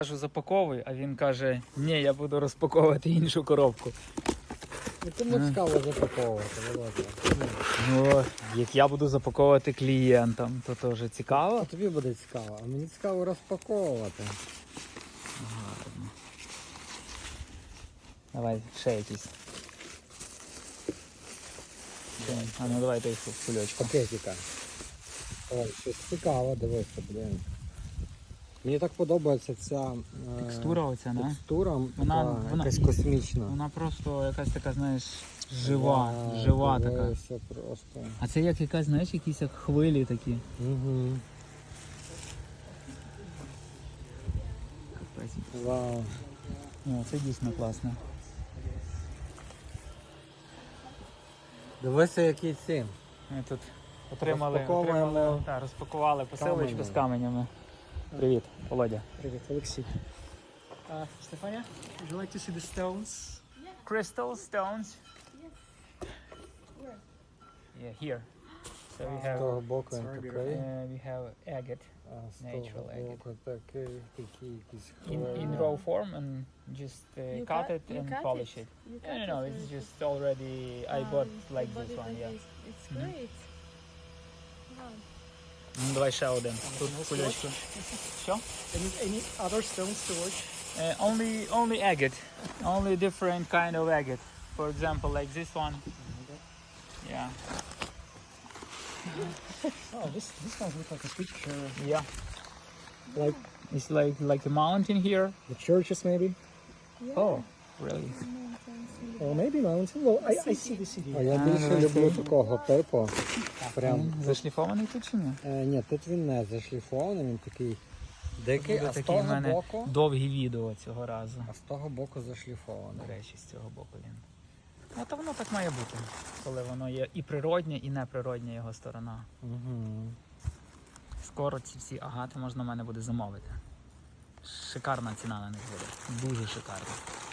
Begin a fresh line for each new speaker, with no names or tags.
Кажу, запаковуй, а він каже, ні, я буду розпаковувати іншу коробку.
Кому цікаво запаковувати, Володя?
Ну, як я буду запаковувати клієнтам, то теж цікаво.
А тобі буде цікаво, а мені цікаво розпаковувати.
Гарно. Давай, ще якісь. А ну давай той кульочку.
Пакетика. Ой, щось цікаве, дивися, блін. Мені так подобається ця
Текстура оця, не?
текстура,
Вона
якась космічна.
Вона просто якась така, знаєш, жива така.
Дивися просто.
А це як якась, знаєш, якісь як хвилі такі.
Угу.
Капець.
Вау.
О, це дійсно класно.
Дивися, які ці.
Ми тут отримали, розпакували посилочку
камені.
з каменями. Привіт, Володя.
Привет, Алексей. Stefania, would you like to see the stones?
Crystal stones.
Where?
Yeah, here. So we
З
have
того боку він
Sorry,
такий,
we have agate
а з
natural
того
agate.
боку такий якийсь
in raw form and just
You
cut
cut-
it
you
and
cut
polish it.
You
No, it's just already I bought like this one, yeah.
It's
Mhm.
great. Wow.
Ну, давай ще один. Тут
Anything else to
кульочку. Що?
Any other stones to watch?
Only agate. Only different kind of agate. For example, like this one. Yeah.
Oh, this one looks like a picture.
Yeah.
Like
It's like a mountain here.
the churches, maybe?
Yeah.
Oh, really?
Mountains.
Or maybe mountain. Well, I see the city.
А я більше люблю такого типу. Прям.
Зашліфований тут чи ні?
Ні, тут він не зашліфований, він такий дикий,
Буде
а з
такі в
того
мене
боку.
довгі відео цього разу.
А з того боку зашліфований.
До речі, з цього боку він. Ну, то воно так має бути, коли воно є і природнє, і неприродня його сторона.
Угу.
Скоро ці всі агати можна в мене буде замовити. Шикарна ціна на них буде. Дуже шикарна.